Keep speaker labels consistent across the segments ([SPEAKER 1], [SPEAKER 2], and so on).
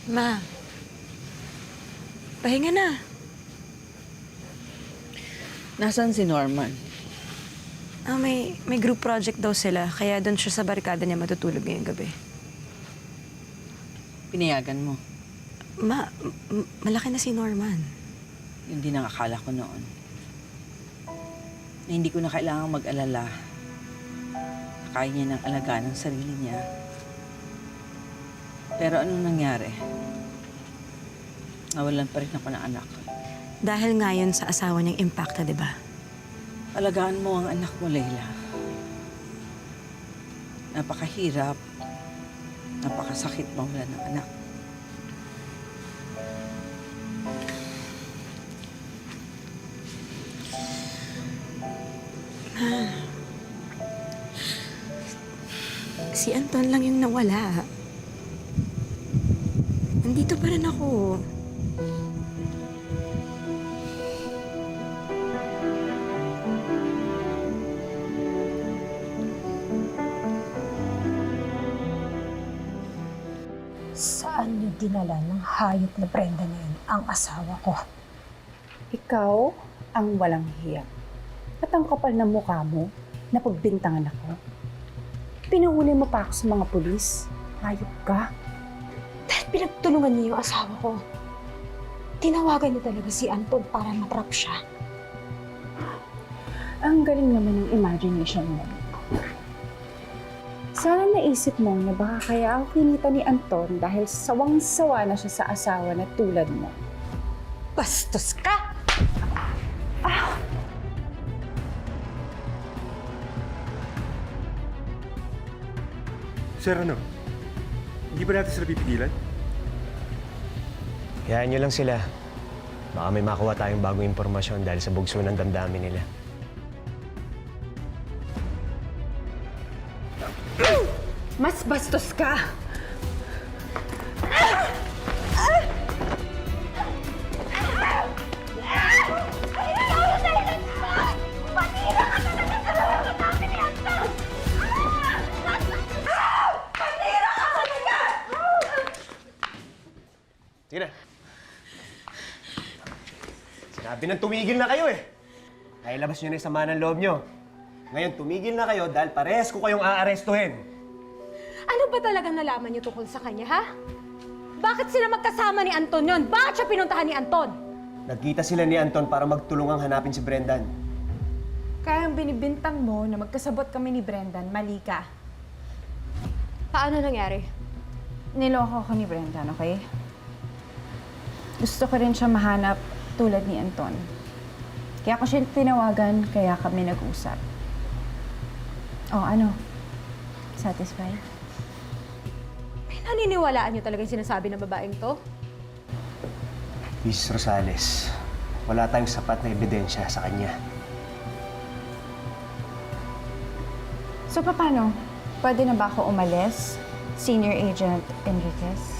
[SPEAKER 1] Ma, pahinga na.
[SPEAKER 2] Nasaan si Norman?
[SPEAKER 1] May group project daw sila, kaya doon siya sa barkada niya matutulog ngayong gabi.
[SPEAKER 2] Pinayagan mo.
[SPEAKER 1] Malaki na si Norman.
[SPEAKER 2] Yun din ang akala ko noon. Na hindi ko na kailangang mag-alala. Kaya niya ng alagaan ng sarili niya. Pero anong nangyari? Nawalan pa rin ako ng anak.
[SPEAKER 1] Dahil ngayon sa asawa niyang impacta, di ba?
[SPEAKER 2] Alagaan mo ang anak mo, Leila. Napakahirap. Napakasakit mawalan ng anak.
[SPEAKER 1] Si Anton lang yung nawala. Nandito pa rin ako.
[SPEAKER 3] Saan niyo dinala ng hayop na Brenda na yun ang asawa ko?
[SPEAKER 4] Ikaw ang walang hiya. At ang kapal ng mukha mo, na pagbintangan ako. Pinahuli mo pa ako sa mga pulis. Hayop ka.
[SPEAKER 3] Dahil pinagtulungan niyo yung asawa ko. Tinawagan niyo talaga si Anton para matrap siya.
[SPEAKER 4] Ang galing naman ng imagination mo. Sana naisip mo na baka kaya ako kinita ni Anton dahil sawang-sawa na siya sa asawa na tulad mo.
[SPEAKER 3] Bastos ka!
[SPEAKER 5] Sir, ano? Hindi ba natin sila pipigilan?
[SPEAKER 6] Hayaan nyo lang sila. Baka may makuha tayong bagong impormasyon dahil sa bugso ng damdamin nila.
[SPEAKER 4] Mas bastos ka!
[SPEAKER 6] Sige na. Sinabi nang tumigil na kayo eh. Nailabas nyo na yung sama ng loob nyo. Ngayon, tumigil na kayo dahil parehas ko kayong aarestuhin.
[SPEAKER 3] Ano ba talagang nalaman niyo tungkol sa kanya, ha? Bakit sila magkasama ni Anton yun? Bakit siya pinuntahan ni Anton?
[SPEAKER 6] Nagkita sila ni Anton para magtulungang hanapin si Brendan.
[SPEAKER 4] Kaya ang binibintang mo na magkasabot kami ni Brendan, mali ka.
[SPEAKER 3] Paano nangyari?
[SPEAKER 4] Niloko ko ni Brendan, okay? Gusto ko rin siya mahanap tulad ni Anton. Kaya ko siya tinawagan, kaya kami nag-usap. Oh, ano? Satisfied?
[SPEAKER 3] Naniniwalaan niyo talaga yung sinasabi ng babaeng to?
[SPEAKER 6] Mrs. Rosales, wala tayong sapat na ebidensya sa kanya.
[SPEAKER 4] So, paano? Pwede na ba ako umalis? Senior Agent Enriquez?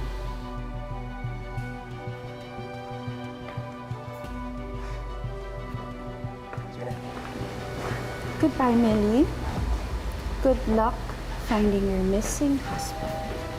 [SPEAKER 6] Sige na.
[SPEAKER 4] Goodbye, Millie. Good luck finding your missing husband.